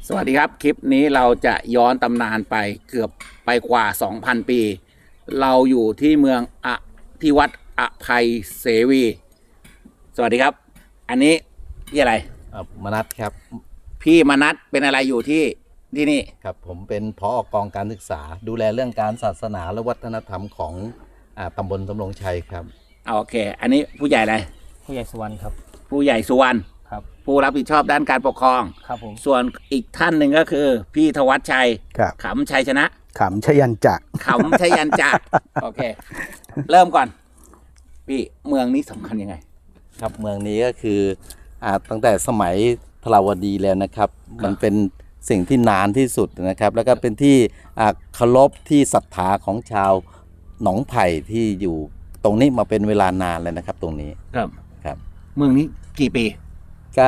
สวัสดีครับคลิปนี้เราจะย้อนตำนานไปเกือบไปกว่า 2,000 ปี เราอยู่ที่เมืองที่วัดอภัยเสวี สวัสดีครับอันนี้พี่อะไรมนัสครับพี่มนัสเป็นอะไรอยู่ที่นี่ครับผมเป็นผอกองการศึกษาดูแลเรื่องการศาสนาและวัฒนธรรมของตำบลสำโรงชัยครับโอเคอันนี้ผู้ใหญ่อะไรผู้ใหญ่สุวรรณครับผู้ใหญ่สุวรรณครับผู้รับผิดชอบด้านการปกครองครับผมส่วนอีกท่านหนึ่งก็คือพี่ธวัชชัยขำชัยชนะขำชยันจักขำชยันจักโอเคเริ่มก่อนพี่เมืองนี้สำคัญยังไงครับเมืองนี้ก็คือตั้งแต่สมัยทราวดีแล้วนะครับมันเป็นสิ่งที่นานที่สุดนะครับแล้วก็เป็นที่เคารพที่ศรัทธาของชาวหนองไผ่ที่อยู่ตรงนี้มาเป็นเวลานานเลยนะครับตรงนี้ครับเมืองนี้กี่ปีก็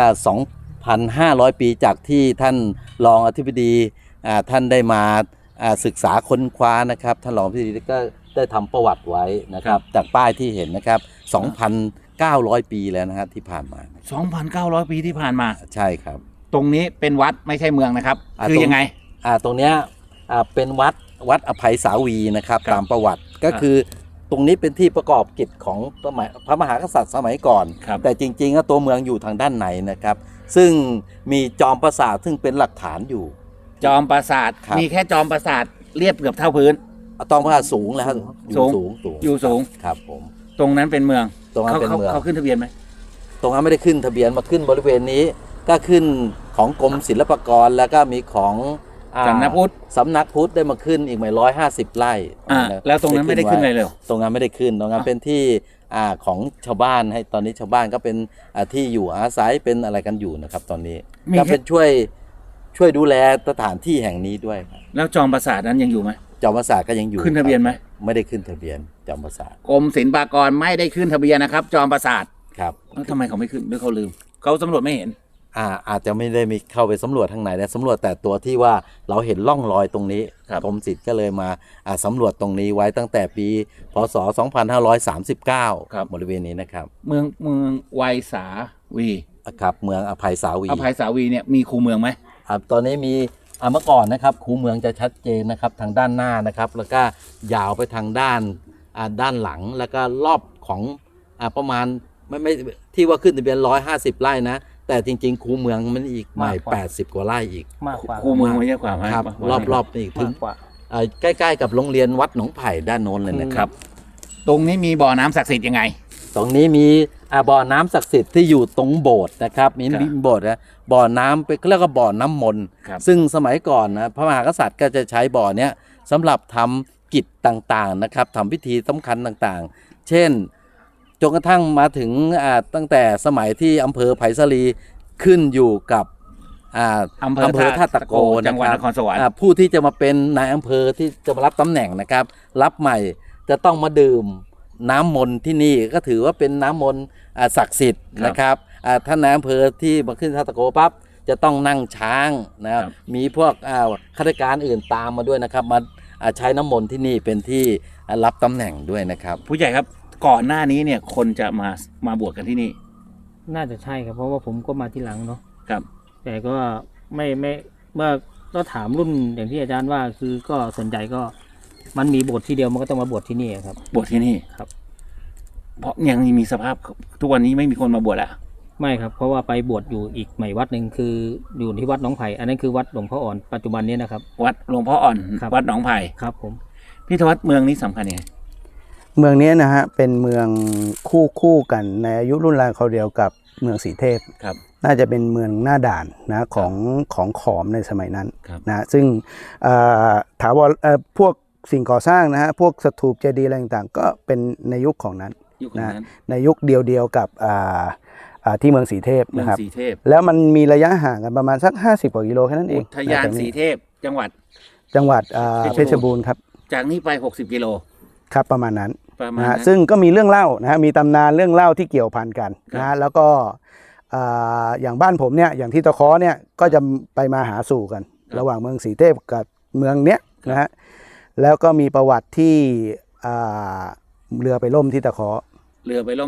2,500 ปีจากที่ท่านรองอธิบดีท่านได้มาศึกษาค้นคว้านะครับท่านรองอธิบดีก็ได้ทำประวัติไว้นะครับจากป้ายที่เห็นนะครับ 2,900 ปีแล้วนะครับที่ผ่านมา 2,900 ปีที่ผ่านมาใช่ครับตรงนี้เป็นวัดไม่ใช่เมืองนะครับคือยังไงตรงเนี้ยเป็นวัดอภัยสาวีนะครับตามประวัติก็คือตรงนี้เป็นที่ประกอบกิจของพระมหากษัตริย์สมัยก่อนแต่จริงๆตัวเมืองอยู่ทางด้านในนะครับซึ่งมีจอมปราสาทซึ่งเป็นหลักฐานอยู่จอมปราสาทมีแค่จอมปราสาทเรียบเกือบเท่าพื้นจอมปราสาทสูงแล้วอยู่สูงครับผมตรงนั้นเป็นเมืองตรงนั้นเป็นเมืองเขาขึ้นทะเบียนไหมตรงนั้นไม่ได้ขึ้นทะเบียนมาขึ้นบริเวณนี้ก็ขึ้นของกรมศิลปากรแล้วก็มีของสำนักพุทธได้มาขึ้นอีก150 ไร่แล้วตรงนั้นไม่ได้ขึ้นอะไรเลยตรงนั้นไม่ได้ขึ้นตรงนั้นเป็นที่ของชาวบ้านให้ตอนนี้ชาวบ้านก็เป็นที่อยู่อาศัยเป็นอะไรกันอยู่นะครับตอนนี้ก็เป็นช่วยดูแลสถานที่แห่งนี้ด้วยแล้วจอมปราสาทนั้นยังอยู่ไหมจอมปราสาทก็ยังอยู่ขึ้นทะเบียนไหมไม่ได้ขึ้นทะเบียนจอมปราสาทกรมศิลปากรไม่ได้ขึ้นทะเบียนนะครับจอมปราสาทครับแล้วทำไมเขาไม่ขึ้นหรือเขาลืมเขาสำรวจไม่เห็นอาจจะไม่ได้มีเข้าไปสำรวจทางไหนแต่สำรวจแต่ตัวที่ว่าเราเห็นร่องรอยตรงนี้กรมศิลป์ก็เลยมาสำรวจตรงนี้ไว้ตั้งแต่ปีพศ 2539 บริเวณนี้นะครับเมืองไวสาวีครับเมืองอภัยสาวีเนี่ยมีคูเมืองไหมตอนนี้มีเมื่อก่อนนะครับคูเมืองจะชัดเจนนะครับทางด้านหน้านะครับแล้วก็ยาวไปทางด้านหลังแล้วก็รอบของประมาณไม่ที่ว่าขึ้นทะเบียน150 ไร่นะแต่จริงๆคูเมืองมันอีกใหม่80 กว่าไร่อีกมากกว่าคูเมืองไม่เยอะกว่าครับรอบๆนี่ถึงใกล้ๆกับโรงเรียนวัดหนองไผ่ด้านโน้นเลยนะครับตรงนี้มีบ่อน้ำศักดิ์สิทธิ์ยังไงตรงนี้มีบ่อน้ำศักดิ์สิทธิ์ที่อยู่ตรงโบสถ์นะครับมีโบสถ์นะบ่อน้ำเป็นเรียกว่าบ่อน้ำมนต์ซึ่งสมัยก่อนนะพระมหากษัตริย์ก็จะใช้บ่อเนี้ยสำหรับทำกิจต่างๆนะครับทำพิธีสำคัญต่างๆเช่นจนกระทั่งมาถึงตั้งแต่สมัยที่อำเภอไผ่สาลีขึ้นอยู่กับอำเภอท่าตะโกจังหวัดนครสวรรค์ผู้ที่จะมาเป็นนายอำเภอที่จะมารับตำแหน่งนะครับรับใหม่จะต้องมาดื่มน้ำมนต์ที่นี่ก็ถือว่าเป็นน้ำมนต์ศักดิ์สิทธิ์นะครับท่านนายอำเภอที่มาขึ้นท่าตะโกปั๊บจะต้องนั่งช้างนะครับมีพวกข้าราชการอื่นตามมาด้วยนะครับมาใช้น้ำมนต์ที่นี่เป็นที่รับตำแหน่งด้วยนะครับผู้ใหญ่ครับก่อนหน้านี้เนี่ยคนจะมาบวชกันที่นี่น่าจะใช่ครับเพราะว่าผมก็มาที่หลังเนาะครับแต่ก็ไม่เมื่อก็ถามรุ่นอย่างที่อาจารย์ว่าคือก็สนใจก็มันมีบทที่เดียวมันก็ต้องมาบวชที่นี่ครับบวชที่นี่ครับเพราะยังมีสภาพทุกวันนี้ไม่มีคนมาบวชแล้วไม่ครับเพราะว่าไปบวชอยู่อีกใหม่วัดหนึ่งคืออยู่ที่วัดหนองไผ่อันนั้นคือวัดหลวงพ่ออ่อนปัจจุบันนี้นะครับวัดหลวงพ่ออ่อนวัดหนองไผ่ครับผมพี่ธวัชเมืองนี้สำคัญยังไงเมืองนี้นะฮะเป็นเมืองคู่กันในอายุรุ่นราวคราวเดียวกับเมืองสีเทพครับน่าจะเป็นเมืองหน้าด่านนะของขอมในสมัยนั้นนะซึ่งถาวรพวกสิ่งก่อสร้างนะฮะพวกสถูปเจดีย์อะไรต่างๆก็เป็นในยุคของนั้นนะในยุคเดียวกับที่เมืองสีเทพนะครับแล้วมันมีระยะห่างกันประมาณสัก50 กว่ากิโลแค่นั้นเองอุทยานสีเทพจังหวัดเพชรบูรณ์ครับจากนี้ไป60 กิโลครับประมาณนั้นนะซึ่งก็มีเรื่องเล่านะฮะมีตำนานเรื่องเล่าที่เกี่ยวพันกันนะแล้วก็อย่างบ้านผมเนี่ยอย่างที่ตะเคาะเนี่ยก็จะไปมาหาสู่กันระหว่างเมืองสีเทพกับเมืองเนี้ยนะฮะแล้วก็มีประวัติที่เรือไปล่มที่ตะเคาะ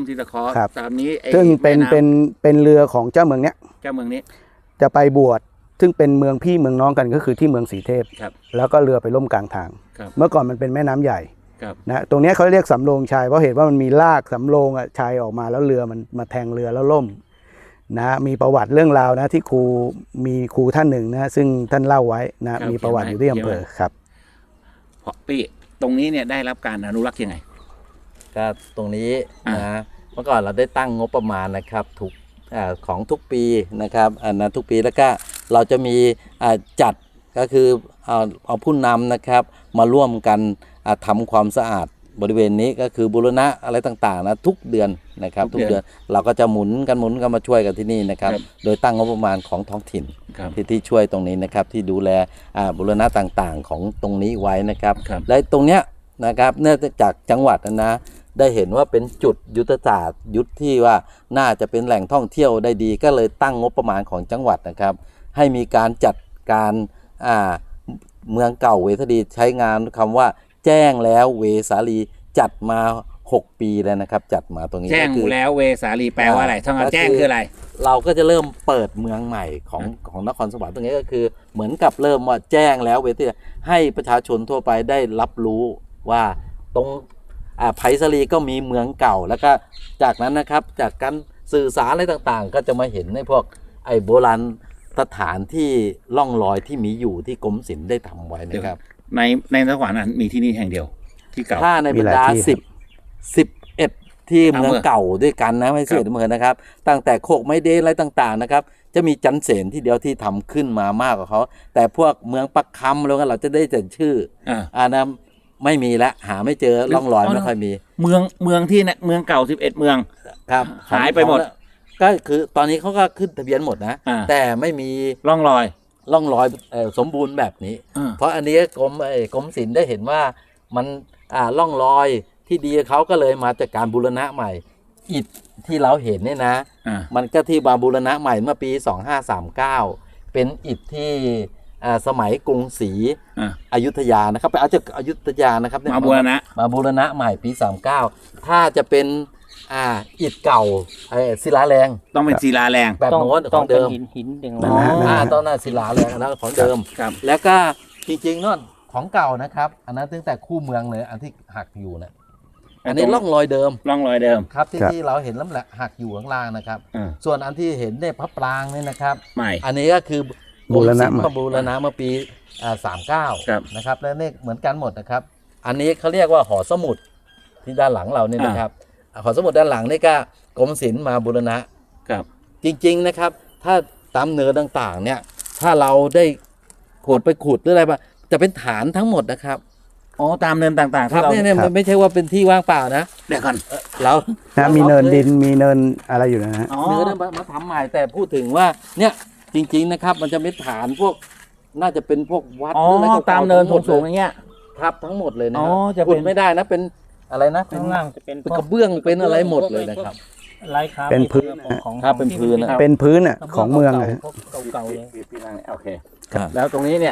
ตามนี้ซึ่งเป็นเรือของเจ้าเมืองเนี้ยเจ้าเมืองนี้จะไปบวชซึ่งเป็นเมืองพี่เมืองน้องกันก็คือที่เมืองสีเทพครับแล้วก็เรือไปล่มกลางทางครับเมื่อก่อนมันเป็นแม่น้ำใหญ่ครับนะตรงเนี้ยเขาเรียกสำโรงชัยเพราะเหตุว่ามันมีลากสำโรงอ่ะชัยออกมาแล้วเรือมันมาแทงเรือแล้วล่มนะมีประวัติเรื่องราวนะที่มีครูท่านหนึ่งนะซึ่งท่านเล่าไว้นะมีประวัติอยู่ที่อำเภอครับเพราะพี่ตรงนี้เนี่ยได้รับการอนุรักษ์ยังไงก็ตรงนี้อ่านะเมื่อก่อนเราได้ตั้งงบประมาณนะครับทุกของทุกปีนะครับนะทุกปีแล้วก็เราจะมีจัดก็คือเอาผู้นำนะครับมาร่วมกันทำความสะอาดบริเวณนี้ก็คือบูรณะอะไรต่างๆนะทุกเดือนนะครับทุกเดือนเราก็จะหมุนกันมาช่วยกันที่นี่นะครับครับโดยตั้งงบประมาณของท้องถิ่นครับที่ช่วยตรงนี้นะครับที่ดูแลบูรณะต่างๆของตรงนี้ไว้นะครับครับและตรงเนี้ยนะครับเนื่องจากจังหวัดนะได้เห็นว่าเป็นจุดยุทธศาสตร์ยุทธที่ว่าน่าจะเป็นแหล่งท่องเที่ยวได้ดี ก็เลยตั้งงบประมาณของจังหวัดนะครับ ให้มีการจัดการเมืองเก่าเวสาลีใช้งานคำว่าแจ้งแล้วเวสาลีจัดมา6 ปีแล้วนะครับ จัดมาตรงนี้แจ้งก็คือแล้วเวสาลีแปลว่าอะไรท่องก็คือแจ้งคืออะไรเราก็จะเริ่มเปิดเมืองใหม่ของนครสวรรค์ตรงนี้ก็คือเหมือนกับเริ่มว่าแจ้งแล้วเวทีให้ประชาชนทั่วไปได้รับรู้ว่าตรงไผ่สาลีก็มีเมืองเก่าแล้วก็จากนั้นนะครับจากการสื่อสารอะไรต่างๆ ก็จะมาเห็นในพวกโบราณสถานที่ล่องรอยที่มีอยู่ที่กรมศิลป์ได้ทำไว้นะครับในนครนั้นมีที่นี่แห่งเดียวที่เก่าถ้าในบรรดามีหลายที่ 11 ที่เมืองอำเภอเก่าด้วยกันนะไม่ใช่ครับเมืองนะครับ ตั้งแต่โคกไม้เดนอะไรต่างๆนะครับ จะมีจันเสนที่เดียวที่ทำขึ้นมามากกว่าเขาแต่พวกเมืองปักคำแล้วก็เราจะได้แต่ชื่อ นะไม่มีแล้วหาไม่เจอร่องรอยไม่ค่อยมีเมืองที่เนี่ยเมืองเก่า11เมืองครับหายไปหมดก็คือตอนนี้เขาก็ขึ้นทะเบียนหมดนะอ่าแต่ไม่มีร่องรอยร่องรอยสมบูรณ์แบบนี้ เพราะอันนี้กรมศิลป์ได้เห็นว่ามันร่องรอยที่ดีเขาก็เลยมาจากการบูรณะใหม่อิฐที่เราเห็นเนี่ยนะ มันก็ที่มาบูรณะใหม่เมื่อปี 2539 เป็นอิฐที่สมัยกรุงศรีอยุธยานะครับไปเอาจากอยุธยานะครับเนี่ยมาบูรณะมาบูรณะใหม่ปี 39 ถ้าจะเป็นอิฐเก่าศิลาแรงต้องเป็นศิลาแรงแบบต้องโน้นขต้อองงเป็นเดิมหินอย่างนั่นั้นนนะต้องหน้าศิลาแรงอันนั้นของเดิมครับแล้วก็จริงๆนั่นของเก่านะครับ อันนั้นตั้งแต่คู่เมืองเลยอันที่หักอยู่นะอันนี้ร่องรอยเดิมร่องรอยเดิมครับที่ครับที่เราเห็นแล้วแหละหักอยู่ข้างล่างนะครับอ่าส่วนอันที่เห็นเนี่ยพระปรางเนี่ยนะครับใหม่อันนี้ก็คือบูรณะกมศิลป์ใหม่มาบูรณะเมื่อปี39 ครับนะครับและเนี่ยเหมือนกันหมดนะครับ อันนี้เขาเรียกว่าหอสมุดที่ด้านหลังเราเนี่ยนะครับหอสมุดด้านหลังนี่ก็กรมศิลป์มาบูรณะครับจริงๆนะครับ ถ้าตามเนื้อต่างๆเนี่ยถ้าเราได้ขุดไปขุดหรืออะไรมาจะเป็นฐานทั้งหมดนะครับอ๋อตามเนินต่างๆครับที่เราเนี่ยครับไม่ใช่ว่าเป็นที่ว่างเปล่านะเดี๋ยวก่อนเรานะมีเนินดินมีเนินอะไรอยู่นะฮะอ๋อเนื้อเนี่ยมาทำใหม่แต่พูดถึงว่าเนี่ยจริงๆนะครับ มันจะเป็นฐานพวกน่าจะเป็นพวกวัดอ๋อหรืออะไรก่ๆตามเนินทั้หมดสูงๆเลอย่างเงี้ยครับทั้งหมดเลยนะอ๋อครับจะเป็นขุดไม่ได้นะเป็นอะไรนะเป็นข้างล่างจะเป็นเป็นกระเบื้องเป็นอะไรหมดเลยนะครับลายคาเป็นพื้นของครับเป็นพื้นนะครับเป็นพื้นอ่ะของเมืองอะฮะเก่าๆเลยพี่นั่งเนี่ยโอเคครับแล้วตรงนี้เนี่ย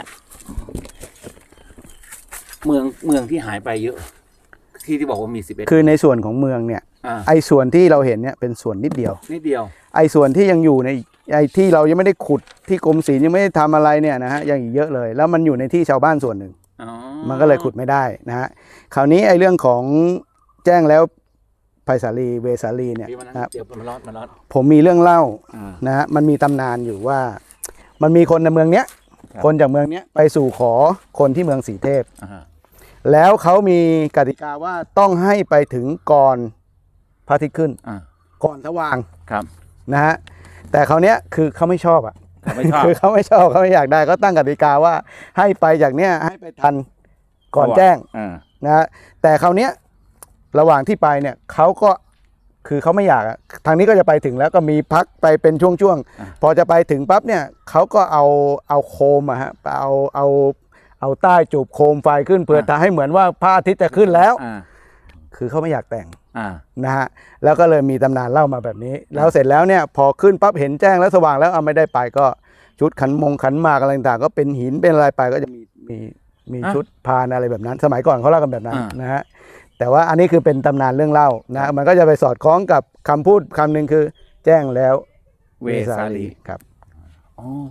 เมืองที่หายไปเยอะ ที่บอกว่ามี11 คือในส่วนของเมืองเนี่ย ไอ้ส่วนที่เราเห็นเนี่ยเป็นส่วนนิดเดียวนิดเดียวไอ้ส่วนที่ยังอยู่ในไอ้ที่เรายังไม่ได้ขุดที่กรมศิลป์ยังไม่ได้ทำอะไรเนี่ยนะฮะยังอีกเยอะเลย แล้วมันอยู่ในที่ชาวบ้านส่วนหนึ่งอ๋อมันก็เลยขุดไม่ได้นะฮะคราวนี้ไอ้เรื่องของแจ้งแล้วไผ่สาลีเวสาลีเนี่ยพี่มานั่งนะครับเดี๋ยวมันร้อนผมมีเรื่องเล่าอ่านะฮะมันมีตำนานอยู่ว่า มันมีคนในเมืองเนี้ยครับคนจากเมืองเนี้ยไปสู่ขอคนที่เมืองสีเทพอ่าฮะแล้วเขามีกติกาว่าต้องให้ไปถึงก่อนพระอาทิตย์ขึ้นอ่าก่อนสว่างครับนะฮะแต่คราวเนี้ยคือเขาไม่ชอบอ่ะไม่ชอบคือเขาไม่ชอบเขาไม่อยากได้เขาตั้งกติกาว่าให้ไปจากเนี้ยให้ไปทันก่อนแจ้งอ่านะฮะแต่คราวเนี้ยระหว่างที่ไปเนี่ยเขาก็คือเขาไม่อยากอะทางนี้ก็จะไปถึงแล้วก็มีพักไปเป็นช่วงๆพอจะไปถึงปั๊บเนี่ยเขาก็เอาโคมอะฮะเอาใต้จูบโคมไฟขึ้นเพื่อจะให้เหมือนว่าพระอาทิตย์จะขึ้นแล้วอ่าคือเขาไม่อยากแต่งอ่านะฮะแล้วก็เลยมีตำนานเล่ามาแบบนี้ แล้วเสร็จแล้วเนี่ยพอขึ้นปั๊บเห็นแจ้งแล้วสว่างแล้วเอาไม่ได้ไปก็ชุดขันหมากอะไรต่างๆก็เป็นหินเป็นอะไรไปก็จะมีชุดพานอะไรแบบนั้น สมัยก่อนเขาเล่ากันแบบนั้นนะฮะแต่ว่าอันนี้คือเป็นตำนานเรื่องเล่านะมันก็จะไปสอดคล้องกับคำพูดคำหนึ่งคือแจ้งแล้วเวสาลีครับอ๋อ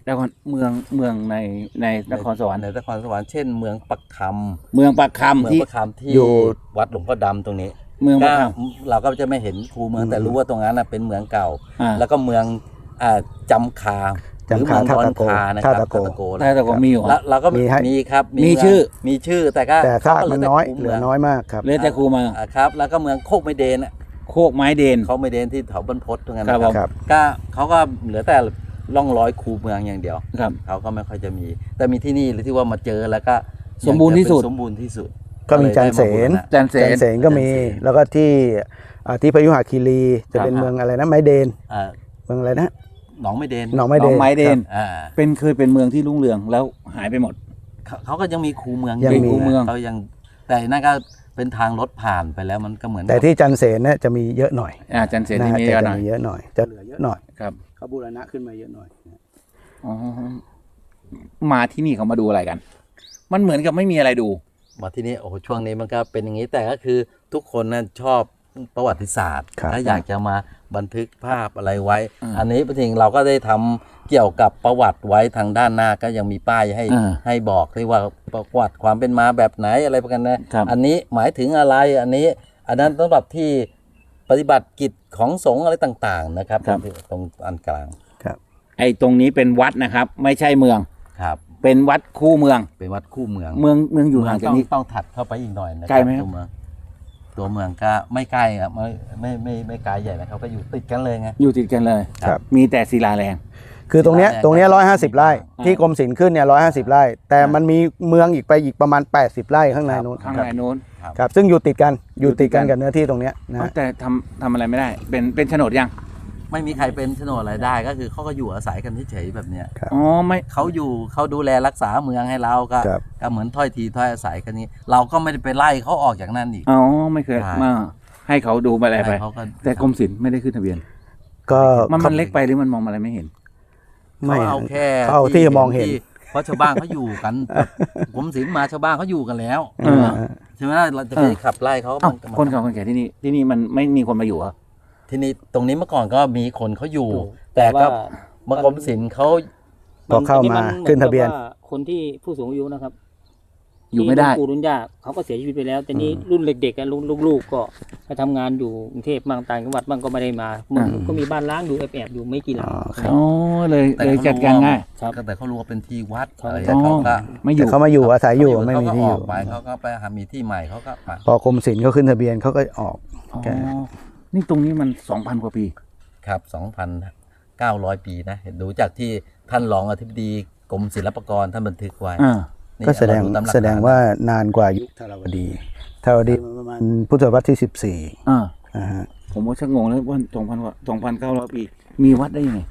นครเมืองในนครสวรรค์ในนครสวรรค์เช่นเมืองปักคเมืองปากำเมืองคำที่ปักคำที่อยู่วัดหลวงพ่อดำตรงนี้เมืองก็ปากคเราก็จะไม่เห็นคูเมืองแต่รู้ว่าตรงนั้นเป็นเมืองเก่าอ่าแล้วก็เมืองจำคาหรือเมืองดอนคานะครับท่าตะโกำแต่ก็มีอยู่แล้วเราก็มีให้มีครับมีเงชื่อมีชื่อแต่ก็แต่ซากมันน้อยขาก็เหลือน้อยมากครับเลยแต่ครูมาครับแล้วก็เมืองโคกไมเดนโคกไม้เดนเขาไมเดนที่แถวบรรพตตรงนั้นครับนะครับก็เขาก็เหลือแต่ร่องรอยคูเมืองอย่างเดียวครับเขาก็ไม่ค่อยจะมี แต่มีที่นี่หรือที่ว่ามาเจอแล้วก็สมบูรณ์ที่สุดสมบูรณ์ที่สุดก็มีจันเสนจันเสจันนเสนก็มีจันเสนแล้วก็ที่พยุหคีรีจะเป็นครับเมืองอะไรนะไม้เดนอ่าเมืองอะไรนะหนองไมเดนหนองไม้หนเดองนไม้เดนอ่าเคยเป็นเมืองที่รุ่งเรืองแล้วหายไปหมดเขาก็ยังมีคูเมืองยังมีอคูเมืองเขายังแต่นั่นก็เป็นทางรถผ่านไปแล้วมันก็เหมือนแต่ที่จันเสนเนี่ยจะมีเยอะหน่อยจันเสนนะที่ฮะมีจะเยอะหน่อยมีเยอะหน่อย จะเหลือเยอะหน่อยครับเขาบูรณะขึ้นมาเยอะหน่อยอ๋อมาที่นี่เขามาดูอะไรกัน มันเหมือนกับไม่มีอะไรดูมาที่นี่โอ้โหช่วงนี้มันก็เป็นอย่างนี้แต่ก็คือทุกคนนั้นชอบประวัติศาสตร์ครับถ้าอยากจะมาบันทึกภาพอะไรไว้อ่าอันนี้จริงเราก็ได้ทำเกี่ยวกับประวัติไว้ทางด้านหน้าก็ยังมีป้ายให้อ่าให้บอกที่ว่าประวัติความเป็นมาแบบไหนอะไรประกันนะครับ อันนี้หมายถึงอะไรอันนั้นสำหรับที่ปฏิบัติกิจของสงฆ์อะไรต่างๆนะครับตรงอันกลางไอ้ตรงนี้เป็นวัดนะครับ ไม่ใช่เมืองครับเป็นวัดคู่เมืองเป็นวัดคู่เมืองเมืองอยู่ห่างจากนี้ต้องถัดเข้าไปอีกหน่อยนะคไกลรับไหมครับตัวเมืองก็ไม่ใกล้ครับไม่ไกลใหญ่นะครับก็อยู่ติดกันเลยไงอยู่ติดกันเลยครับมีแต่ศิลาแรงคือตรงเนี้ยศิลาแรงตรงเนี้ย150 ไร่อ่าที่กรมศิลป์ขึ้นเนี่ย150 ไร่ แต่มันมีเมืองอีกไปอีกประมาณ 80 ไร่ข้างในนู้นข้างครับในนู้นครับซึ่งอยู่ติดกันอยู่ติดกันกับเนื้อที่ตรงเนี้ยนะฮะแต่ทำอะไรไม่ได้ เป็นโฉนดยังไม่มีใครเป็นโฉนดอะไรได้ก็คือเขาก็อยู่อาศัยกันเฉยๆแบบเนี้ยอ๋อไม่เขาดูแลรักษาเมืองให้เราก็ครับก็เหมือนถ้อยทีถ้อยอาศัยกันนี้ เราก็ไม่ได้ไปไล่เขาออกจากนั่นอีกอ๋อไม่เคยใช่มาให้เขาดูอะไรไปเขาก็แต่กรมศิลป์ไม่ได้ขึ้นทะเบียนก็มันเล็กไปหรือมันมองอะไรไม่เห็นไม่เขาเอาแค่เขาเอาที่จะมองเห็นเพราะชาวบ้านเขาอยู่กัน ผมศิลป์มาชาวบ้านเขาอยู่กันแล้วเออใช่ไหมล่ะเราจะไปขับไล่เขาเอ้ามันคนเก่าคนแก่ที่นี่มันไม่มีคนมาอยู่เหรอที่นี่ตรงนี้เมื่อก่อนก็มีคนเขาอยู่อยู่แต่ก็แต่ว่าเมื่อกรมศิลป์เขาพอเข้ามาขึ้นทะเบียนคนที่ผู้สูงอายุนะครับอยู่ไม่ได้ที่รุ่นปู่รุ่นย่าเขาก็เสียชีวิตไปแล้วแต่นี้รุ่นเด็กๆอะรุ่นลูกๆก็ไปทำงานอยู่กรุงเทพบ้างต่างจังหวัดบ้างก็ไม่ได้มาก็มีบ้านล้างอยู่แอบๆอยู่ไม่กี่หลังอ๋อเลยจัดการง่ายครับแต่เขารู้ว่าเป็นที่วัดเขาอะไรอ๋อเขาก็ไม่อแต่ยู่เขามาอยู่อาศัยอยู่ไม่มีที่อเขาก็อยู่ อกไปเขาก็ไปหามีที่ใหม่เขาก็มาพอกรมศิลป์เขาขึ้นทะเบียนเขาก็ออกอ๋อแกนี่ตรงนี้มัน 2,000 กว่าปีครับ 2,900 ปีนะเห็นดูจากที่ท่านรองอธิบดีกรมศิลปากรท่านบันทึกไว้อ่านี่ก็แสดงเราตามหลักแสดงฐนว่านานกว่ายุคธารวดีประมาณพุทธศตวรรษที่ 14 อ่านะฮะผมว่าชักงงแล้วว่า2,900 ปี มีวัดได้ยังไง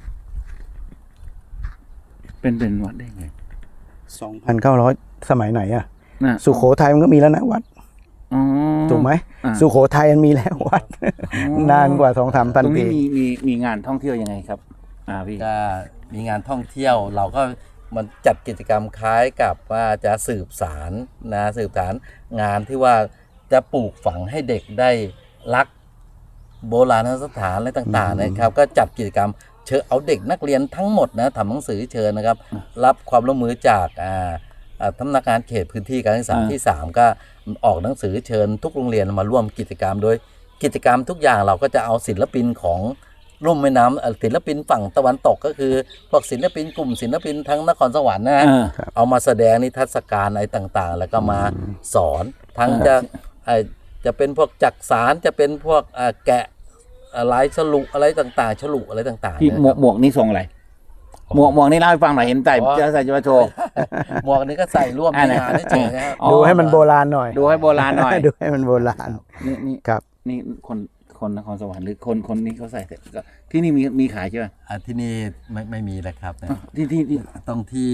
เป็นวัดได้ยังไง 2,900 สมัยไหนอะน่ะสุโขทัยมันก็มีแล้วนะวัดอ๋อถูกไหมอ่าสุโขทัยมันมีแล้ววัด นานกว่า 2-3 ตพันรงปีนี้มีงานท่องเที่ยวยังไงครับพี่ก็มีงานท่องเที่ยวเราก็มันจัดกิจกรรมคล้ายกับว่าจะสืบสารงานที่ว่าจะปลูกฝังให้เด็กได้รักโบราณสถานอะไรต่างๆนะครับ ก็จัดกิจกรรมเชิญเอาเด็กนักเรียนทั้งหมดนะทำหนังสือเชิญนะครับ รับความร่วมมือจากสำนักงานเขตพื้นที่การศึกษาที่ 3 ก็ออกหนังสือเชิญทุกโรงเรียนมาร่วมกิจกรรมโดยกิจกรรมทุกอย่างเราก็จะเอาศิลปินของร่มแม่น้ำศิลปินฝั่งตะวันตกก็คือพวกศิลปินกลุ่มศิลปินทั้งนครสวรรค์นะอ่าเอามาแสดงนิทรรศการอะไรต่างๆ แล้วก็มาสอนทั้งจะเป็นพวกจักสารจะเป็นพวกแกะลายฉลุอะไรต่างๆฉลุอะไรต่างๆพี่นะครับหมวกนี่ทรงอะไร หมวกนี่เล่าให้ฟังหน่อยเห็นใส่อ๋อจะใส่จะมาโชว์หมวกนี้ก็ใส่ร่วมในงานเฉยๆนะครับอ๋อดูให้มันโบราณหน่อยดูให้โบราณหน่อยดูให้มันโบราณนี่ครับนี่คนนครสวรรค์หรือคนนี้เขาใส่เสร็จก็ที่นี่มีขายใช่ไหมที่นี่ไม่มีเลยครับอ่ะที่ตรงที่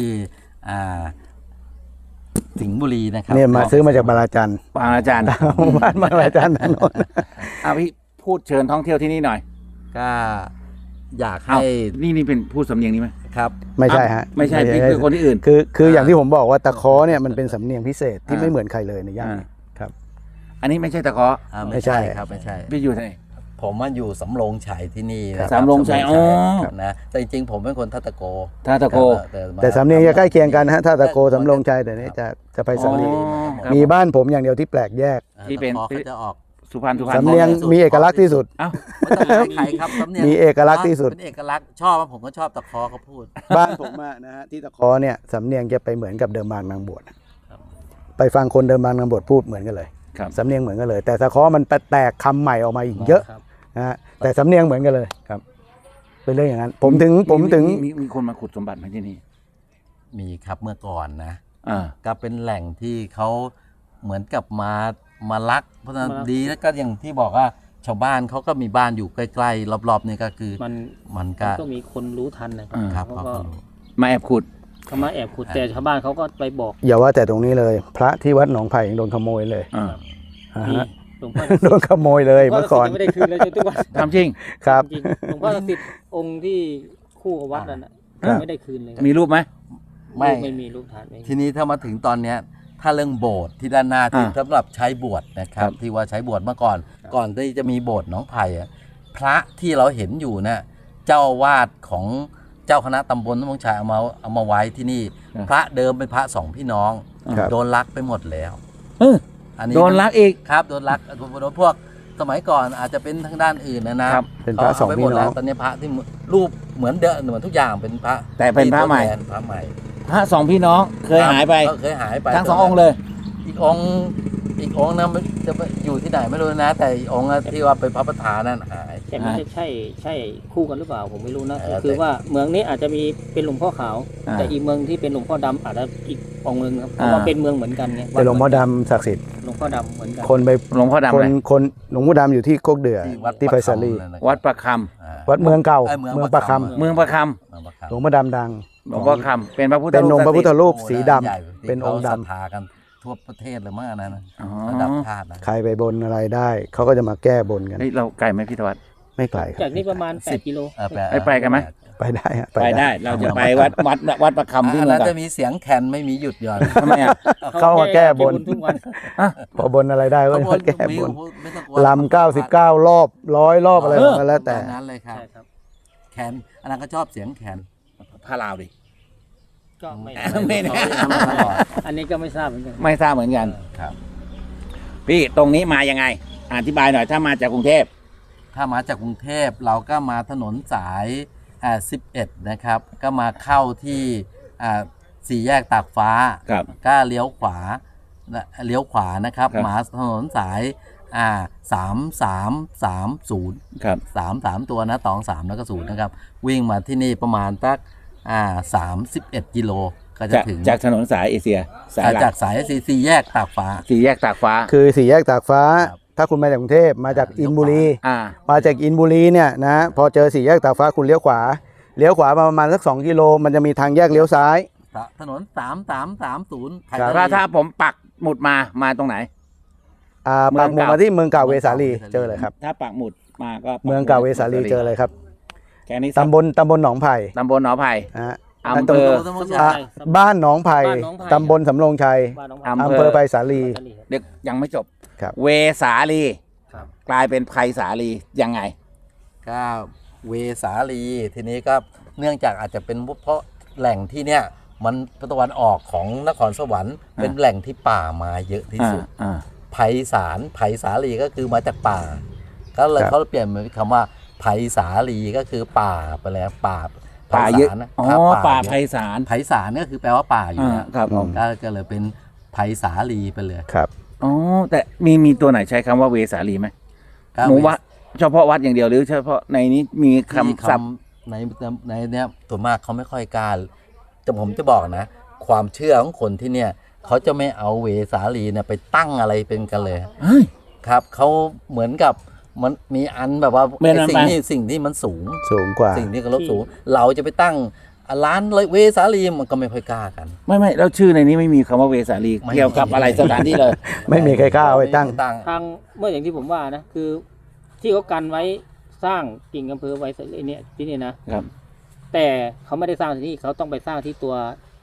สิงห์บุรีนะครับเนี่ยมาซื้อมาจากบาราจันปางอาจารย์บ้านบาราจันนั่นโน่นพี่พูดเชิญท่องเที่ยวที่นี่หน่อยก็อยากเอ้าให้นี่เป็นพูดสำเนียงนี้ไหมครับไม่ใช่ฮะไม่ใช่พี่คือคนที่อื่นคืออย่างที่ผมบอกว่าตะเคอเนี่ยมันเป็นสำเนียงพิเศษที่อ่าไม่เหมือนใครเลยในย่านนี้ครับอันนี้ไม่ใช่ตะเคาะไม่ใช่ครับไม่ใช่พี่อยู่ที่ไหนผผมมาอยู่สำโรงชัยที่นี่นะคบสำโรงชัยอ๋อนะแต่จริงๆผมเป็นคนทัตตะโกท่าตะโกแต่สำเนียงจะใกล้เคียงกันนะฮะถ้าตะโกสำโรงชัยแต่นี้จะไปสำเนียงอ๋อครับมีบ้านผมอย่างเดียวที่แปลกแยกที่เป็นตะคอเขาจะออกสุพรรณสำเนียงมีเอกลักษณ์ที่สุดเอ้าไม่ต้องใครครับสำเนียงมีเอกลักษณ์ที่สุดเป็นเอกลักษณ์ชอบผมก็ชอบตะคอเขาพูดบ้านผมอะนะฮะที่ตะคอเนี่ยสำเนียงจะไปเหมือนกับเดิมบางนางบวชไปฟังคนเดิมบางนางบวชพูดเหมือนกันเลยครับสำเนียงเหมือนกันเลย แต่ตะคอมันแตกคำใหม่ออกมาอีกเยอะครับนะฮะแต่สำเนียงเหมือนกันเลยครับเป็นเรื่องอย่างนั้นผมถึงมีคนมาขุดสมบัติไหมที่นี่มีครับเมื่อก่อนนะอ่าก็เป็นแหล่งที่เขาเหมือนกับมาลัก เพราะฉะนั้นมาลักดีแล้วก็อย่างที่บอกว่าชาวบ้านเขาก็มีบ้านอยู่ใกล้ๆรอบๆนี่ก็คือมันมันก็ก็มีคนรู้ทันนะครับเขาเขาก็ก็รู้มาแอบขุดเขามาแอบขุดแต่ชาวบ้านเขาก็ไปบอกอย่าว่าแต่ตรงนี้เลย พระที่วัดหนองไผ่ยังโดนขโมยเลยอ่าอ่ามีฮะหลวงพ่อโดนขโมยเลยเมื่อก่อนไม่ได้คืนเลยจนทุกวันทำจริงครับจริงๆหลวงพ่อศักดิ์สิทธิ์องค์ที่คู่กับวัดนั่นน่ะอ่าไม่ได้คืนเลยมีรูปไหมไม่มีรูปถ่ายไม่มีทีนี้ถ้ามาถึงตอนเนี้ยถ้าเรื่องโบสถ์ที่ด้านหน้าที่อ่าสำหรับใช้บวชนะครับครับที่ว่าใช้บวชเมื่อก่อน ก่อนที่จะมีโบสถ์หนองไผ่อะพระที่เราเห็นอยู่นะเจ้าอาวาสของเจ้าคณะตำบลน้ำมงชัยเอามาไว้ที่นี่ พระเดิมเป็นพระสองพี่น้องครับโดนลักไปหมดแล้วเอออันนี้โดนลักอีกครับโดนลักโดนพวกสมัยก่อนอาจจะเป็นทางด้านอื่นนะครับเป็นพระสองาไปพี่หมดน้แล้อวงตอนนี้พระที่รูปเหมือนเดิมเหมือนทุกอย่างเป็นพระแต่เป็นพระใหม่ที่ทดแทนพระใหม่พระสองพี่น้องเคยหายไปเคยหายไปทั้งสององค์เลยอีกองค์นะมันจะไปอยู่ที่ไหนไม่รู้นะ แต่อีกองค์อะที่ว่าเป็นพระประธานนั่นหายแต่ไม่ใช่คู่กันหรือเปล่าผมไม่รู้นะเออคือแต่ว่าเมืองนี้อาจจะมีเป็นหลวงพ่อขาวอ่าแต่อีกเมืองที่เป็นหลวงพ่อดำอาจจะอีกองค์หนึงครับเพราะว่าอ่าเป็นเมืองเหมือนกันไงแต่หลวงพ่อดำศักดิ์สิทธิ์หลวงพ่อดำเหมือนกันคนไปหลวงพ่อดำคอะไรนหลวงพ่อดำอยู่ที่โคกเดือที่ไผ่สาลีวัดประควัดเมืองเก่าเมืองเมืองประคำเมืองประคเมืองประำหลวงพ่อดำดังำหลวงพ่อคำเป็นพระพุทธเป็นรูองปค์พระพุทธศักดิ์สิทธิ์รูปสีดำใหญ่เป็นองค์ดำที่เขาศรัทธากันทั่วประเทศเลยมั้งอันนั้นนะอ๋อระดับชาตินะใครไปบนอะไรได้เขาก็จะมาแก้บนกันเฮ้ยเราไกลไหมพี่ธวัฒน์ไม่ไกลคจารับกนี้ประมาณ8กิโลไปกันไหมไปได้ฮะไปได้เราจะไปวัดประคำที่อันเมือนั้งนเก่าจะมีเสียงแคนไม่มีหยุดหย่อนทำไมอ่ะเข้ามาแก้บนทุกวันพอบนอะไรได้ก็มาแก้บนไม่ต้องกลัวลำ99 รอบ100 รอบอะไรก็แล้วแต่ประมาณนั้นเลยครับใช่ครับแคนอันนั้นก็ชอบเสียงแคนพาลาวดิก็ไม่ไม่แน่ทำมาตลอดอันนี้ก็ไม่ทราบเหมือนกันไม่ทราบเหมือนกันครับพี่ตรงนี้มายังไง อธิบายหน่อยถ้ามาจากกรุงเทพถ้ามาจากกรุงเทพเราก็มาถนนสาย11นะครับ ก็มาเข้าที่สี่แยกตากฟ้าครับก็เลี้ยวขวานะครับครับมาถนนสาย3330 ครับ 33ตัวนะ23แล้วก็0นะครับ วิ่งมาที่นี่ประมาณสัก31กิโลก็จะถึงจากถนนสายเอเชียสายหลัจาก กสายสี่แยกตากฟ้าสี่แยกตากฟ้าคือสี่แยกตากฟ้าครับถ้าคุณมาจากกรุงเทพมาจากอินบุรีอ่ามาจากอินบุรีเนี่ยนะพอเจอสี่แยกตากฟ้าคุณเลี้ยวขวาประมาณสัก2 กิโลมันจะมีทางแยกเลี้ยวซ้ายถนน3330 ครับถ้าผมปักหมุดมาตรงไหน เมืปัอก งหมุดเก่ามาที่เมืองเก่าเวสาลีเจอเลยครับถ้าปักหมุดมาก็ปัเมืองเก่าเวสาลีเจอเลยครับแค่นี้ตำบลหนองไผ่ตำบลหนองไผ่นะฮะอำเภออ่ะบ้านหนองไผ่บ้านหนองไผ่ตำบลสำโรงชัยบ้านน้องอำอำเภอไผ่สาลีเด็กยังไม่จบครับเวสาลีครับกลายเป็นไพศาลียังไงก็เวสาลีทีนี้ก็เนื่องจากอาจจะเป็นเพราะแหล่งที่เนี่ยมันตะวันออกของนครสวรรค์เป็นแหล่งที่ป่ามาเยอะที่สุด ไพศาลไพศาลีก็คือมาจากป่า ก็เลยครับเขาเปลี่ยนเป็นคำว่าไพศาลีก็คือป่าไปแล้วป่าป่าเยอะไพศลนะอ๋อครับป่าเยไพอะศาลไพศาลก็คือแปลว่าป่าอยู่อ่านะครับผมก็เลยเป็นไพศาลีไปเลยครับอ๋อแต่มีตัวไหนใช้คำว่าเวสาลีไหมก็หมูวัดเฉพาะวัดอย่างเดียวหรือเฉพาะในนี้มีที่คำศัพท์ในเนี้ยส่วนมากเขาไม่ค่อยกล้าแต่ผมจะบอกนะ ความเชื่อของคนที่เนี่ยเขาจะไม่เอาเวสาลีเนี่ยไปตั้งอะไรเป็นกันเลยเฮ้ยครับเขาเหมือนกับมันมีอันแบบว่าไม่นำไปสิ่งที่มันสูงสูงกว่าสิ่งที่เคารพสูง เราจะไปตั้งร้านเวสาลีมันก็ไม่ค่อยกล้ากันไม่แล้วชื่อในนี้ไม่มีคำว่าเวสาลีไม่เกี่ยวกับอะไรสถานที่เลยไม่มีใครกล้าเอาไปตั้งทางเมื่ออย่างที่ผมว่านะคือ ที่เขากันไว้สร้างกิ่งอำเภอไว้เนี่ยที่นี่นะครับ แต่เขาไม่ได้สร้างที่นี่เขาต้องไปสร้างที่ตัว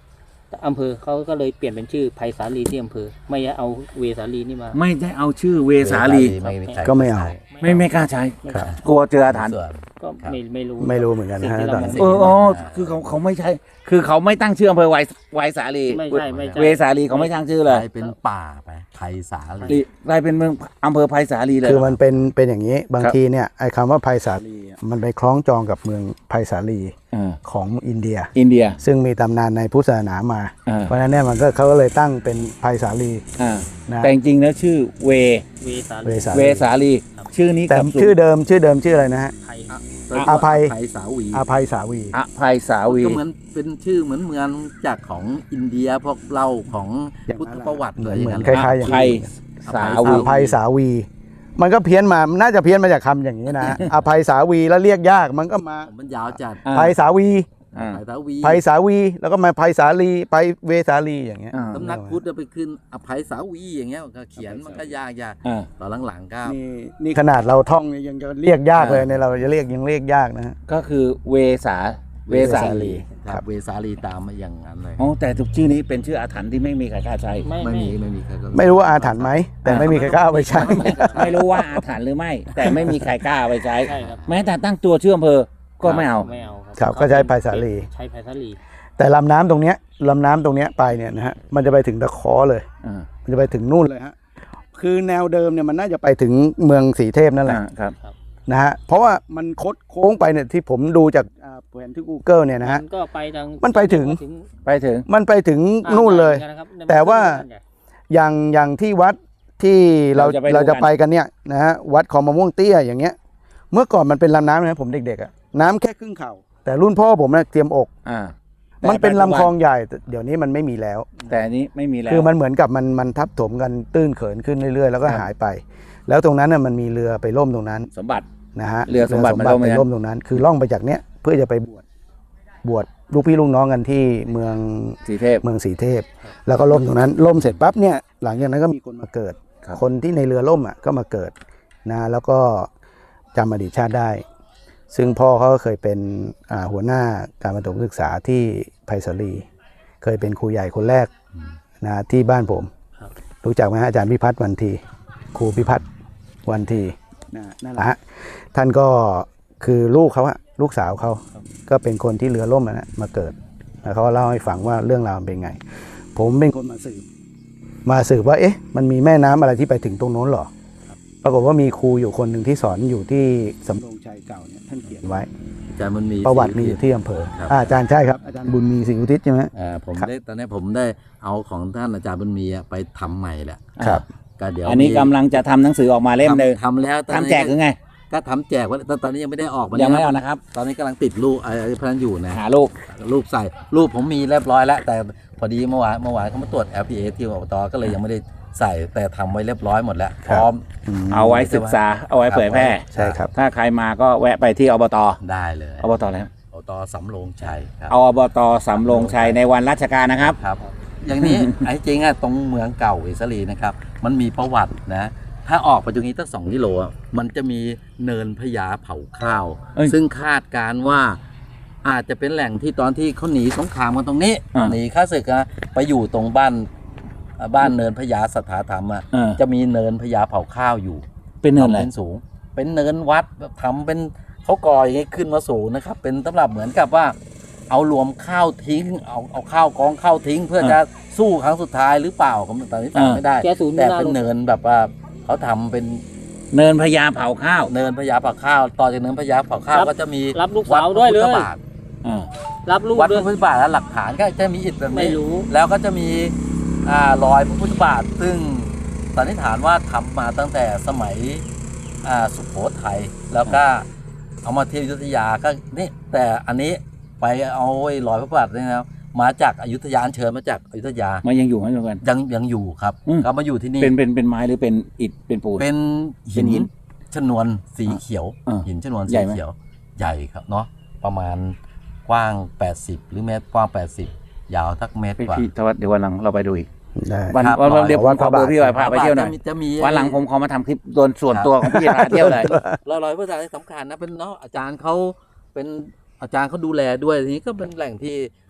อำเภอเขาก็เลยเปลี่ยนเป็นชื่อไผ่สาลีที่อำเภอไม่เอาเวสาลีนี่มาไม่ได้เอาชื่อเวสาลีก็ไม่เอาไม่กล้าใช้ครับกลัวเจออาถรรพ์ก็ไม่รู้ไม่รู้เหมือนกันนะฮะสิ่งที่ตอนเรานั้นมองอ๋อคือเขาไม่ใช่ คือเขาไม่ตั้งชื่ออำเภอไวสาลีไม่ใช่เวสาลีเขาไม่ตั้งชื่อเลยกลายเป็นป่าไปไผ่สาลีกลายเป็นเมืองอำเภอไพศาลีเลยคือมันเป็นอย่างนี้บางครับทีเนี่ยไอ้คำว่าไพศาลีอะมันไปคล้องจองกับเมืองไพศาลีอ่าของอินเดียอินเดียซึ่งมีตำนานในพุทธศาสนามาอ่าเพราะฉะนั้นเนี่ยเขาก็เลยตั้งเป็นไพศาลีอ่านะแต่จริงๆแล้วชื่อเวเวสาเวลีสาเวลีสาลี ชื่อนี้แต่กำสุชื่อเดิมชื่ออะไรนะฮะไผ่อภัยไผ่สาวีอภัยสาวีอภัยสาวีก็เหมือนเป็นชื่อเหมือนเมืองจากของอินเดียพวกเล่าของพุทธประวัติเลยอย่างนั้นคล้ายๆอย่างไพนี้ศาอวีภัยสาวี มันก็เพี้ยนมาน่าจะเพี้ยนมาจากคำอย่างนี้นะ อภัยสาวีแล้วเรียกยากมันก็มามันยาวจัดอ่าภัยสาวีอ่าไผ่สาวีภัยสาวีแล้วก็มาภัยสาลีไปเวสาลีอย่างเงี้ยอ่าสำนักพุทธไปขึ้นอภัยสาวีอย่างเงี้ยก็เขียนมันก็ยากอ่าตอนหลังๆก็นี่ขนาดเราท่องเนี่ยยังจะเรียกยากเลยเนี่ยเราจะเรียกยากนะฮะก็คือเวสาลีครับเวสาลีตามมาอย่างนั้นเลยอ๋อแต่ทุกชื่อนี้เป็นชื่ออาถรรพ์ที่ไม่มีใครกล้าใช้ไม่มีใครก็ไม่รู้ว่าอาถรรพ์ไหมแต่ไม่มีใครกล้าเอาไปใช้ไม่รู้ว่าอาถรรพ์หรือไม่ แต่ไม่มีใครกล้าเอาไปใช้ใช่ครับแม้แต่ตั้งตัวชื่ออำเภอก็ไม่เอาไม่เอาครับก็ใช้ไผ่สาลีใช้ไผ่สาลีแต่ลำน้ำตรงเนี้ยไปเนี่ยนะฮะมันจะไปถึงตะขอเลยอ่ามันจะไปถึงนู่นเลยฮะคือแนวเดิมเนี่ยมันน่าจะไปถึงเมืองสีเทพนั่นแหละครับนะฮะเพราะว่ามันคดโค้งไปเนี่ยที่ผมดูจากแผนที่ Google เนี่ยนะฮะมันก็ไปทางมันไปถึงไปถึงมันไปถึงนู่นเลยนะครับแต่ว่า อย่างที่วัดที่เราจะไปกันเนี่ยนะฮะวัดคลองมะม่วงเตี้ยอย่างเงี้ย เมื่อก่อนมันเป็นลำน้ำนะผมเด็กๆอะน้ำแค่ครึ่งเข่าแต่รุ่นพ่อผมนะเตรียมอกอ่ามันเป็นลำคลองใหญ่แต่เดี๋ยวนี้มันไม่มีแล้วแต่อันนี้ไม่มีแล้วคือมันเหมือนกับมันทับถมกันตื้นเขินขึ้นเรื่อยๆ แล้วก็ครับหายไป แล้วตรงนั้นน่ะมันมีเรือไปล่มตรงนั้นสมบัตินะฮะเรือสมบัติมันล่มไปไหมล่มตรงนั้น คือล่องไปจากเนี้ยเพื่อจะไปบวชลูกพี่ลูกน้องกันที่เมืองสีเทพสีเทพ แล้วก็ล่มตรงนั้นล่มเสร็จปั๊บเนี่ยหลังจากนั้นก็มีคนมาเกิดครับคนที่ในเรือล่มอ่ะก็มาเกิดนะแล้วก็จำอดีตชาติได้ ซึ่งพ่อเขาก็เคยเป็นหัวหน้าการประถมศึกษาที่ไผ่สาลี เคยเป็นครูใหญ่คนแรกนะที่บ้านผมครับรู้จักไหมฮะอาจารย์พิพัฒน์วันทีครูพิพัฒน์วันทีนั่นแหละฮะท่านก็คือลูกเขาอะลูกสาวเขาก็เป็นคนที่เรือล่มนะมาเกิดแล้วเขาก็เล่าให้ฟังว่าเรื่องราวมันเป็นไง ผมเป็นคนมาสืบว่าเอ๊ะมันมีแม่น้ำอะไรที่ไปถึงตรงโน้นหรอปรากฏว่ามีครูอยู่คนหนึ่งที่สอนอยู่ที่สำโรงชัยเก่าเนี่ยท่านเขียนไว้อาจารย์มันมีประวัติมีอยู่ที่อำเภอครับอาจารย์ใช่ครับอาจารย์บุญมีสิงห์อุทิศใช่ไหมผมครับได้ตอนนี้ผมได้เอาของท่านอาจารย์บุญมีไปทำใหม่แหละครับก็เดี๋ยวอันนี้กำลังจะทำหนังสือออกมาเล่มหนึ่งทำแล้วทำแจกหรือไงก็ทำแจกไว้แต่ตอนนี้ยังไม่ได้ออกมายังไม่คเอารับนะครับตอนนี้กำลังติดรูปไอ้พนันอยู่นะหารูปรูปใส่รูปผมมีเรียบร้อยแล้ว แต่พอดีเมื่อวานเขามาตรวจ LPA ที่อบตก็เลยยังไม่ได้ใส่แต่ทำไว้เรียบร้อยหมดแล้วพร้อมเอาไว้ศึกษา เอาไว้เผยแพร่ใช่ครับถ้าใครมาก็แวะไปที่อบตได้เลยอบตแล้วอบตสำโรงชัยครับเอาอบตสำโรงชัยในวันราชการนะครับครับ อย่างนี้ ไอ้จริงอะตรงเมืองเก่าอิสรีนะครับ มันมีประวัตินะ ถ้าออกไปตรงนี้ตั้ง2 กิโลอะมันจะมีเนินพญาเผาข้าวเอ้ยซึ่งคาดการณ์ว่าอาจจะเป็นแหล่งที่ตอนที่เขาหนีสงครามกันตรงนี้อ่าหนีข้าศึกนะไปอยู่ตรงบ้านเนินพญาสถาธรรมอะเออจะมีเนินพญาเผาข้าวอยู่เป็นเนินอะไรทำเป็นสูง เป็นเนินวัดแบบทำเป็นเขาก่ออย่างนี้ขึ้นมาสูงนะครับ เป็นสำหรับเหมือนกับว่า เอารวมข้าวทิ้ง เอาข้าวกองข้าวทิ้ง เพื่อจะสู้ครั้งสุดท้ายหรือเปล่าผมตอนนี้จำไม่ได้แกศูนย์แต่ไม่น่าเป็นลงเนินแบบว่าเขาทำเป็นเนินพญาเผาข้าวเนินพญาเผาข้าว ต่อจากเนินพญาเผาข้าวก็จะมีรับลูกสาวด้วยเลยวัดพระพุทธบาทอ่ารับลูกวัดพด้วระยพุทธบาทและหลักฐานก็จะมีอิฐแบบไม่นี้รู้แล้วก็จะมีรอยพระพุทธบาท ซึ่งสันนิษฐานว่าทำมาตั้งแต่สมัยสุโขทัยแล้วก็เอามาเที่ยวอยุธยาก็นี่แต่อันนี้ไปเอาไอ้รอยพระพุทธบาทนี่นะครับมาจากอยุธยาอัญเชิญมาจากอยุธยามันยังอยู่ไหมทุกคนยังอยู่ครับอืมก็มาอยู่ที่นี่เป็นไม้หรือเป็นอิฐเป็นปูนเป็นเป็นหิหินนชนวนสีเขียวอ่าหินชนวนใหญ่สีไหมเขียวใหญ่ครับเนาะประมาณกว้าง80หรือเมตรกว้าง80ยาวทักเมตรกว่าพี่ทวัฒน์เดี๋ยววันหลังเราไปดูอีกได้วันครับวันเดี๋ยวผมขอเบอร์พี่ไว้พาไปเที่ยวหน่อยจะมีวันหลังผมขอมาทำคลิปโดนส่วนตัวของพี่พาเที่ยวเลยรอยพระพุทธบาทที่สำคัญนะเป็นเนาะอาจารย์เขาเป็นอาจารย์เขาดูแลด้วยทีนี้ก็เป็นแหล่งที่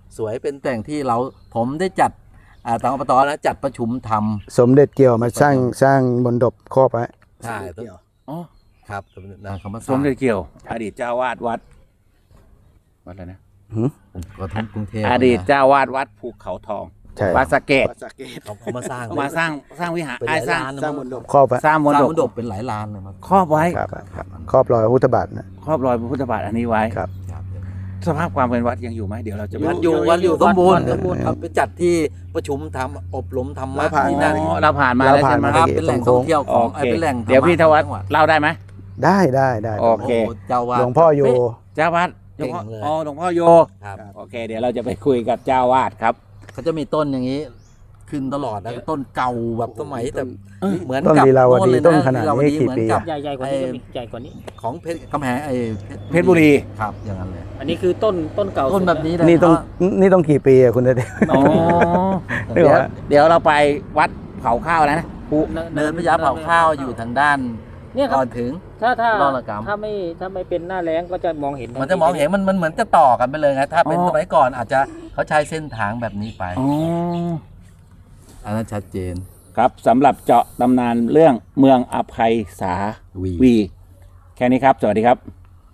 สวยเป็นแต่งที่ผมได้จัดทางอบตนะจัดประชุมทำสมเด็จเกี่ยวมาสร้างมณฑปครอบไว้ใช่สมเด็จเกี่ยวอ๋อครับนะคำว่าสมเด็จเกี่ยว อดีตเจ้าวาดวัดอะไรนะกทมกรุงเทพอดีตเจ้าวาดวัดภูเขาทองใช่วัดสะเกดเขามาสร้างมาสร้างวิหารเป็นหไอ้ลายสร้างล้านนะสร้างมมั้ณงฑปครอบไว้สร้างมณสร้างฑมปณฑปเป็นหลายล้านเลยมั้งครอบไว้ครับครอบรอยพระพุทธบาทนะครอบรอยพระพุทธบาทอันนี้ไว้ครับครับสภาพความเป็นวัดยังอยู่ไหมเดี๋ยวเราจะไปวัดดูอยู่สมบูรณ์สมบูรณ์ครับไปจัดที่ประชุมทำอบรมธรรมะแล้วผ่านที่นั่นอ๋อเราผ่านมาเราแล้วผ่านใช่ไหมมาครับเป็นแหล่งท่องเที่ยวของโอเคเป็นแหล่งธรรมะเดี๋ยวพี่ธวัฒน์ของจังหวัดเล่าได้ไหมได้โอเคเจ้าวาดหลวงพ่อโยเจ้าวาดหลวงพ่อเก่งเลยอ๋อหลวงพ่อโยครับโอเค เดี๋ยวเราจะไปคุยกับเจ้าวาดครับเขาจะมีต้นอย่างนี้ ขึ้นตลอดนะต้นเก่าแบบสมัยแต่เหมือนต้นกับลีลาวดีโเลยะต้นขนาดนี้ลีลวกี่เหมือปีกับอะใหญ่กว่านี้ก็มีใหญ่กว่านี้ของเพชรกำแพงเพชรบุรีครับอย่างนั้นเลยอันนี้คือต้นเก่าต้นแบบนี้เลยนี่ต้องกี่ปีอะคุณเดชอ๋อเดี๋เดี๋ยยว วเราไปวัดเผาข้าวแล้วนะภูเนินพญาเผาข้าวอยู่ทางด้านเนี่ยคก่รัอบ นถึงถ้าลอดระกำถ้าไม่เป็นหน้าแล้งก็จะมองเห็นมันจะมองเห็นมันเหมือนจะต่อกันไปเลยไงถ้าเป็นสมัยก่อนอาจจะเขาใช้เส้นทางแบบนี้ไปอ๋ออันนั้นชัดเจนครับสำหรับเจาะตำนานเรื่องเมืองอภัยสาวีวี แค่นี้ครับ สวัสดีครับ